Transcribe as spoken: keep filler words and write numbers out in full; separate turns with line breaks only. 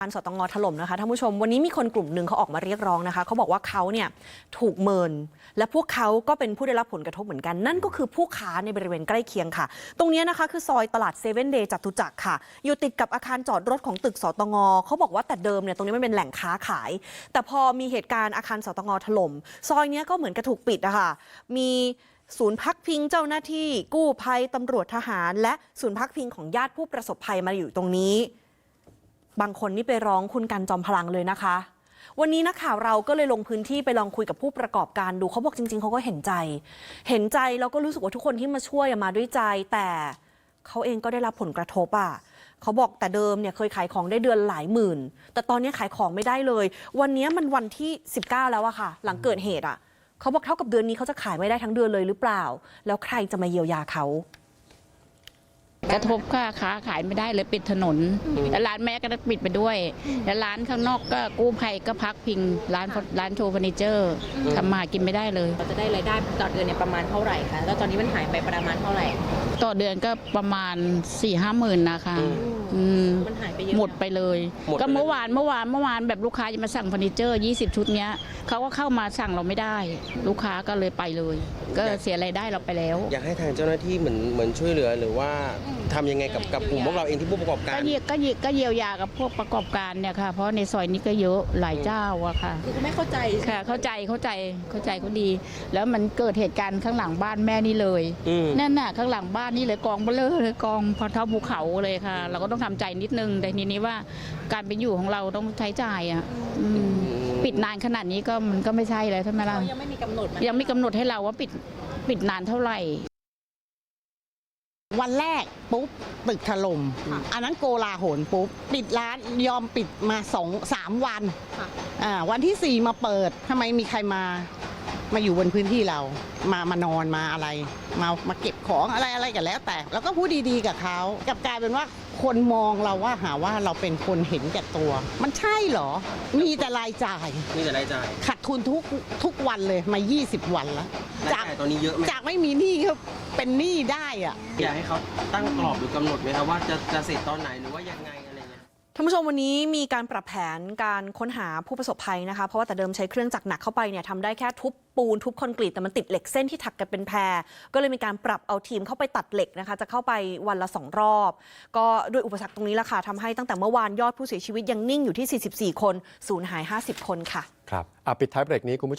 การสตง.ถล่มนะคะท่านผู้ชมวันนี้มีคนกลุ่มหนึ่งเขาออกมาเรียกร้องนะคะเขาบอกว่าเขาเนี่ยถูกเมินและพวกเขาก็เป็นผู้ได้รับผลกระทบเหมือนกันนั่นก็คือผู้ค้าในบริเวณใกล้เคียงค่ะตรงนี้นะคะคือซอยตลาดเซเว่นเดย์จตุจักรค่ะอยู่ติดกับอาคารจอดรถของตึกสตง.เขาบอกว่าแต่เดิมเนี่ยตรงนี้มันเป็นแหล่งค้าขายแต่พอมีเหตุการณ์อาคารสตง.ถล่มซอยนี้ก็เหมือนกระถูกปิดนะคะมีศูนย์พักพิงเจ้าหน้าที่กู้ภัยตำรวจทหารและศูนย์พักพิงของญาติผู้ประสบภัยมาอยู่ตรงนี้บางคนนี่ไปร้องคุณกันจอมพลังเลยนะคะวันนี้นักข่าวเราก็เลยลงพื้นที่ไปลองคุยกับผู้ประกอบการดูเขาบอกจริงๆเขาก็เห็นใจเห็นใจแล้วก็รู้สึกว่าทุกคนที่มาช่วยมาด้วยใจแต่เขาเองก็ได้รับผลกระทบอ่ะเขาบอกแต่เดิมเนี่ยเคยขายของได้เดือนหลายหมื่นแต่ตอนนี้ขายของไม่ได้เลยวันนี้มันวันที่สิบเก้าแล้วอะค่ะหลังเกิดเหตุอะเขาบอกเท่ากับเดือนนี้เขาจะขายไม่ได้ทั้งเดือนเลยหรือเปล่าแล้วใครจะมาเยียวยาเขา
กระทบค่าค้าขายไม่ได้เลยปิดถนนแล้วร้านแม่ก็ต้องปิดไปด้วยแล้วร้านข้างนอกก็กู้ภัยก็พักพิงร้านร้านโชว์เฟอร์นิเจอร์ทำมากินไม่ได้เลย
เราจะได้รายได้ต่อเดือนเนี่ยประมาณเท่าไหร่คะแล้วตอนนี้มันหายไปประมาณเท่าไหร่
ต่อเดือนก็ประมาณสี่ห้าหมื่นนะคะ
มันหายไปเยอะ
หมดไปเลยก็เมื่อวานเมื่อวานเมื่อวานแบบลูกค้าจะมาสั่งเฟอร์นิเจอร์ยี่สิบชุดเนี้ยเขาก็เข้ามาสั่งเราไม่ได้ลูกค้าก็เลยไปเลยก็เสียรายได้เราไปแล้ว
อยากให้ทางเจ้าหน้าที่เหมือนเหมือนช่วยเหลือหรือว่าทำยังไงกับกับกลุ่มพวกเราเองที่ผู้ประกอบการ
ก็เยียก็เยียก็เยียวยากับพวกประกอบการเนี่ยค่ะเพราะในซอยนี้ก็เยอะหลายเจ้าอะค่ะ
คือเขาไม่เข้าใจ
ค่ะเข้าใจเข้าใจเข้าใจเขาดีแล้วมันเกิดเหตุการณ์ข้างหลังบ้านแม่นี่เลยนั่นน่ะข้างหลังบ้านนี่เลยกองเบลอเลยกองพอเท่าภูเขาเลยค่ะเราก็ต้องทำใจนิดนึงแต่ทีนี้ว่าการเป็นอยู่ของเราต้องใช้จ่ายอะปิดนานขนาดนี้ก็มันก็ไม่ใช่เลยใช่ไหมล่ะ
ยังไม่มีกำหนด
ยังไม่กำหนดให้เราว่าปิดปิดนานเท่าไหร่
วันแรกปุ๊บตึกถล่มอันนั้นโกลาหลปุ๊บปิดร้านยอมปิดมาสองสามวันอ่าวันที่สี่มาเปิดทำไมมีใครมามาอยู่บนพื้นที่เรามามานอนมาอะไรมามาเก็บของอะไรอะไรกันแล้วแต่แล้วก็พูดดีๆกับเขากลับกลายเป็นว่าคนมองเราว่าหาว่าเราเป็นคนเห็นแก่ตัวมันใช่เหรอมีแต่รายจ่าย
มีแต่รายจ่าย
ขาดทุนทุกทุกวันเลยมายี่สิบวันแล้ว
จากตอนนี้เยอะไหม
จากไม่มีหนี้ก็เป็นหนี้ได้อะ
อยากให้เขาตั้งกรอบหรือกำหนดไหมครับว่าจะจะเสร็จตอนไหนหรือว่ายังไงอะไรเงี้ย
ท่านผู้ชมวันนี้มีการปรับแผนการค้นหาผู้ประสบภัยนะคะเพราะว่าแต่เดิมใช้เครื่องจักรหนักเข้าไปเนี่ยทำได้แค่ทุบปูนทุบคอนกรีตแต่มันติดเหล็กเส้นที่ถักกันเป็นแพรก็เลยมีการปรับเอาทีมเข้าไปตัดเหล็กนะคะจะเข้าไปวันละสองรอบก็ด้วยอุปสรรคตรงนี้แหละค่ะทำให้ตั้งแต่เมื่อวานยอดผู้เสียชีวิตยังนิ่งอยู่ที่สี่สิบสี่คนสูญหายห้าสิบคนค่ะ
ครับปิดท้ายเบรกนี้คุณผู้ชม